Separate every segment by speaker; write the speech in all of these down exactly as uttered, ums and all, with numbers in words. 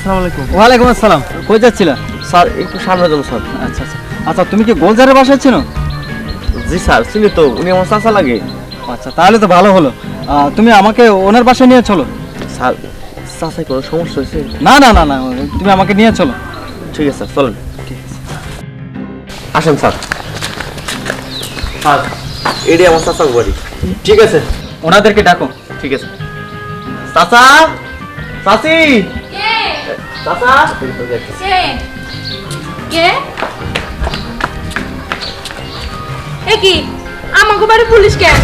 Speaker 1: আসসালামু আলাইকুম।
Speaker 2: ওয়ালাইকুম আসসালাম। কই যাচ্ছিলা?
Speaker 1: স্যার একটু সামনে যাবো স্যার।
Speaker 2: আচ্ছা আচ্ছা আচ্ছা, তুমি কি গোলজারের বাসায় ছিল?
Speaker 1: জি স্যার, চিনি তো, উনি আমার চাচা লাগে।
Speaker 2: আচ্ছা, তাহলে তো ভালো হলো। আহ, তুমি আমাকে ওনার বাসায় নিয়ে চলো।
Speaker 1: স্যার চাচাই কোনো সমস্যা হয়েছে?
Speaker 2: না না না না, তুমি আমাকে নিয়ে চলো।
Speaker 1: ঠিক আছে স্যার, চলেন। আসেন স্যার। স্যার এটাই আমার চাচার বাড়ি।
Speaker 2: ঠিক আছে, ওনাদেরকে ডাকো।
Speaker 1: ঠিক আছে। চাচা, চাচি,
Speaker 3: কে
Speaker 1: চাচা।
Speaker 3: কে কে এ কি আমাকে বাড়ি পুলিশ কেন?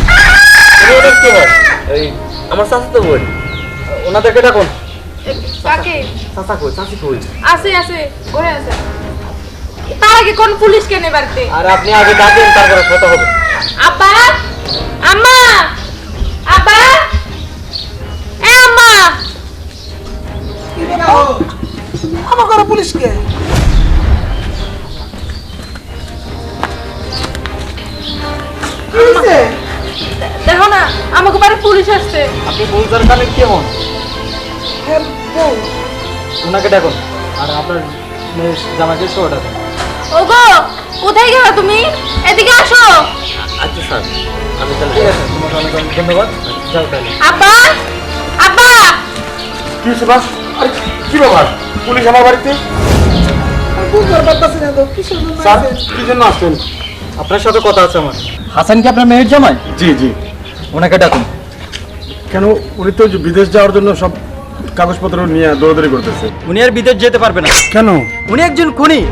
Speaker 1: এই আমার চাচা তো বই।
Speaker 2: ওনাদেরকে ডাকো।
Speaker 3: কাকে?
Speaker 1: চাচা কই, চাচি কই?
Speaker 3: আছে আছে ঘরে আছে। তার আগে কোন পুলিশ কেন এ বাড়িতে?
Speaker 2: আর আপনি আগে ডাকেন, তারপরে কথা হবে।
Speaker 3: আব্বা, আম্মা, আব্বা, এ আম্মা।
Speaker 4: আমার ঘরে পুলিশকে কি হয়েছে?
Speaker 3: দেখো না আমাকে বাড়ি পুলিশ আসছে।
Speaker 2: আপনি গোলজার কালে কেমন?
Speaker 4: হ্যাঁ, বউ।
Speaker 2: ওনাকে ডাকুন। আর আপনার মেয়ের জামাইকে সহ ডাকুন।
Speaker 3: ওগো কোথায় গেলা তুমি? এদিকে আসো।
Speaker 1: আচ্ছা স্যার, আমি তাহলে
Speaker 2: ঠিক আছে, তোমাকে অনেক অনেক ধন্যবাদ। যাও তাহলে।
Speaker 3: আব্বা, আব্বা।
Speaker 5: কি সুভাষ? আরে কি ব্যাপার? পুলিশ আমার বাড়িতে?
Speaker 4: আমি বুঝতে পারতাছি না তো কিসের জন্য
Speaker 5: স্যার
Speaker 4: আইছে?
Speaker 5: কি জন্য আসছেন?
Speaker 2: আপনার সাথে কথা আছে আমার। হাসান কি আপনার মেয়ের জামাই?
Speaker 5: জি জি।
Speaker 2: ওনাকে ডাকুন।
Speaker 5: কেন, উনি তো যে বিদেশ যাওয়ার জন্য সব কাগজপত্র নিয়ে দৌড়াদৌড়ি করতেছে।
Speaker 2: উনি আর বিদেশ যেতে পারবে না।
Speaker 5: কেন?
Speaker 2: উনি একজন খুনি।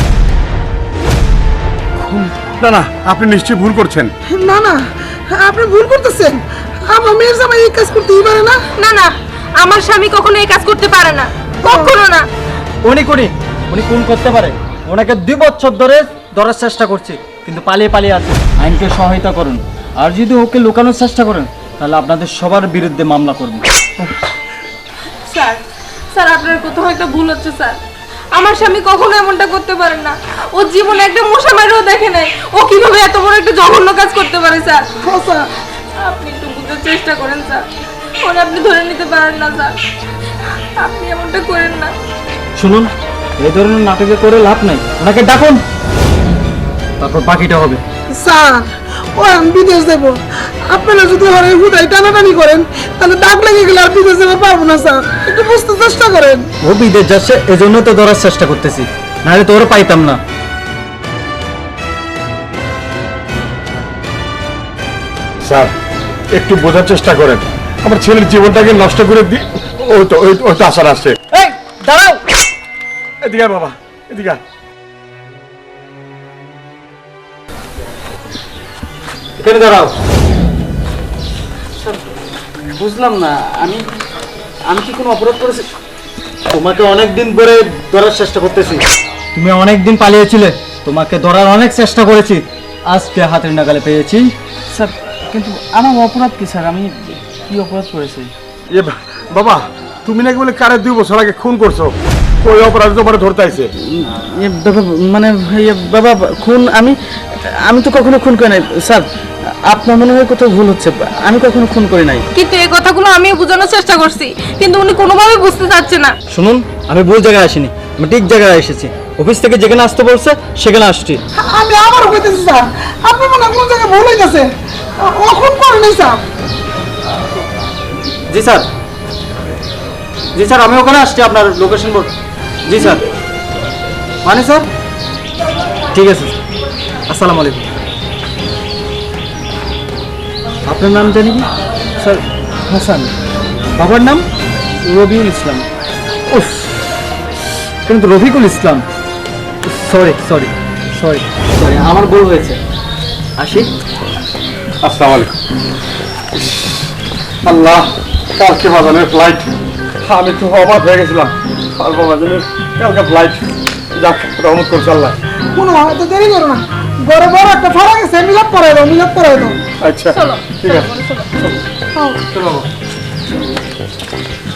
Speaker 5: না না, আপনি নিশ্চয়ই ভুল করছেন।
Speaker 4: না না, আপনি ভুল করতেছেন। আমার মেয়ের জামাই এই কাজ করতেই পারে না।
Speaker 3: না না, আমার স্বামী কখনো এই কাজ করতে পারে না, কখনো না।
Speaker 2: উনি খুনি, উনি খুন করতে পারে। ওনাকে দুই বছর ধরে ধরার চেষ্টা করছে, কিন্তু পালিয়ে পালিয়ে আছে। আইনকে সহায়তা করুন, আর যদি ওকে লুকানোর চেষ্টা করেন তাহলে আপনাদের সবার বিরুদ্ধে মামলা করব।
Speaker 3: স্যার স্যার আপনার কোথাও একটা ভুল হচ্ছে স্যার। আমার স্বামী কখনো এমনটা করতে পারে না। ও জীবনে একটা মশা মারিও দেখে নাই। ও কিভাবে এত বড় একটা জঘন্য কাজ করতে পারে স্যার?
Speaker 4: হ্যাঁ, স্যার।
Speaker 3: আপনি একটু বুঝার চেষ্টা করেন স্যার। ওরা আপনি ধরে নিতে পারেন না স্যার। আপনি এমনটা করেন না।
Speaker 2: শুনুন, এই ধরনের নাটকে করে লাভ নাই। ওনাকে ডাকুন, তারপর বাকিটা হবে।
Speaker 4: স্যার, ও আমি বিদেশ দেবো। আপনারা যদি ওর এই হুদাই টানাটানি করেন তাহলে দাগ লেগে গেলে আর বিদেশ যেতে পারবো না স্যার। একটু বুঝতে চেষ্টা করেন।
Speaker 2: ও বিদেশ যাচ্ছে, এজন্য তো ধরার চেষ্টা করতেছি, নাহলে তো ওরা পাইতাম না।
Speaker 5: স্যার একটু বোঝার চেষ্টা করেন। আমার ছেলের জীবনটাকে নষ্ট করে দি। ওই তো ওই ওই তো আসার আসছে।
Speaker 2: এই দাঁড়াও,
Speaker 5: এদিকে আয় বাবা, এদিকে আয়।
Speaker 2: এখানে দাঁড়াও। বুঝলাম না, আমি আমি কি কোনো অপরাধ করেছি? তোমাকে অনেক দিন পরে ধরার চেষ্টা করতেছি। তুমি অনেক দিন পালিয়েছিলে, তোমাকে ধরার অনেক চেষ্টা করেছি, আজকে হাতের নাগালে পেয়েছি।
Speaker 1: স্যার কিন্তু আমার অপরাধ কি স্যার? আমি কি অপরাধ করেছি?
Speaker 5: এ বা- বাবা, তুমি নাকি বলে কারে দুই বছর আগে খুন করছো? ওই অপরাধ তোমার ধরতে আইছে।
Speaker 1: মানে বাবা খুন আমি আমি তো কখনো খুন করি নাই স্যার। আপনার মনে হয় কোথাও ভুল হচ্ছে, আমি কখনো খুন করি নাই।
Speaker 3: কিন্তু এই কথাগুলো আমিও বোঝানোর চেষ্টা করছি, কিন্তু উনি কোনোভাবেই বুঝতে চাচ্ছে না।
Speaker 2: শুনুন, আমি ভুল জায়গায় আসিনি, আমি ঠিক জায়গায় এসেছি। অফিস থেকে যেখানে আসতে বলছে সেখানে আসছি।
Speaker 4: আমি আবারও কইতেছি স্যার, আপনি মনে হয় কোন জায়গায় ভুল হইতেছে। ও খুন করে নাই স্যার।
Speaker 2: জি স্যার, জি স্যার, আমি ওখানে আসছি আপনার লোকেশন বোর্ড। জি স্যার, মানে স্যার ঠিক আছে। আসসালামু আলাইকুম। আপনার নাম জানি কি?
Speaker 1: স্যার হাসান।
Speaker 2: বাবার নাম?
Speaker 1: রবিউল ইসলাম।
Speaker 2: উফ, কিন্তু Rafiqul Islam. Sorry sorry sorry sorry, আমার ভুল হয়েছে। আসি।
Speaker 5: আসসালামু আলাইকুম। ইস, আল্লাহ, কালকে বাজানের ফ্লাইট। আমি তো অবাক হয়ে গেছিলাম। কালকে বাজানের কালকে ফ্লাইট। যাক, রহমত করছে আল্লাহ।
Speaker 4: কোনো তো দেরি করো না, বড় বড় একটা ফাড়া গেছে, মিলাপ করাই দাও, মিলাপ করাই দাও।
Speaker 5: আচ্ছা
Speaker 3: চলো
Speaker 5: ঠিক আছে।
Speaker 4: হ্যাঁ।
Speaker 5: চলো বাবা।